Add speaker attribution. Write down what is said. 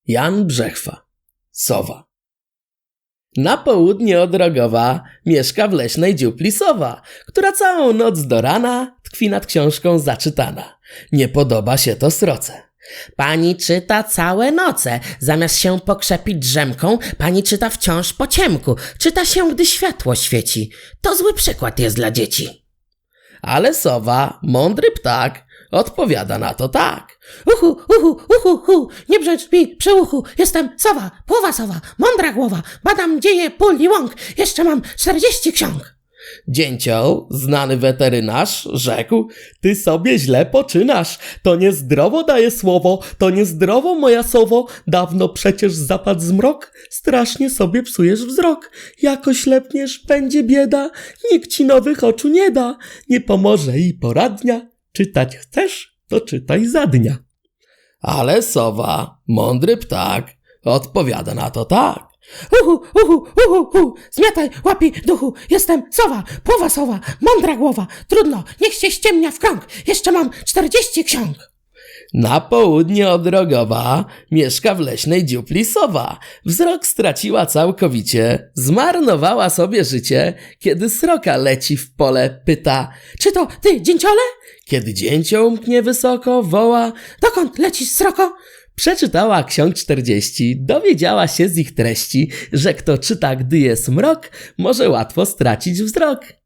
Speaker 1: Jan Brzechwa. Sowa. Na południe od Rogowa mieszka w leśnej dziupli sowa, która całą noc do rana tkwi nad książką zaczytana. Nie podoba się to sroce.
Speaker 2: Pani czyta całe noce, zamiast się pokrzepić drzemką, pani czyta wciąż po ciemku. Czyta się, gdy światło świeci. To zły przykład jest dla dzieci.
Speaker 1: Ale sowa, mądry ptak, odpowiada na to tak.
Speaker 2: Uhu, uhu, uhu, uhu, nie brzecz mi przy uchu. Jestem sowa, połowa sowa, mądra głowa. Badam dzieje pól i łąk. Jeszcze mam 40 ksiąg.
Speaker 1: Dzięcioł, znany weterynarz, rzekł: ty sobie źle poczynasz. To niezdrowo daje słowo, to niezdrowo, moja sowo. Dawno przecież zapadł zmrok, strasznie sobie psujesz wzrok. Jako ślepniesz, będzie bieda, nikt ci nowych oczu nie da. Nie pomoże i poradnia, czytać chcesz, to czytaj za dnia. Ale sowa, mądry ptak, odpowiada na to tak.
Speaker 2: Uhu, uhu, uhu, uhu, zmiataj łapi duchu. Jestem sowa, połowa sowa, mądra głowa. Trudno, niech się ściemnia w krąg. Jeszcze mam 40 ksiąg.
Speaker 1: Na południe od Rogowa mieszka w leśnej dziupli sowa. Wzrok straciła całkowicie, zmarnowała sobie życie, kiedy sroka leci w pole, pyta:
Speaker 2: czy to ty, dzięciole?
Speaker 1: Kiedy dzięcioł mknie wysoko, woła:
Speaker 2: dokąd lecisz, sroko?
Speaker 1: Przeczytała ksiąg 40, dowiedziała się z ich treści, że kto czyta, gdy jest mrok, może łatwo stracić wzrok.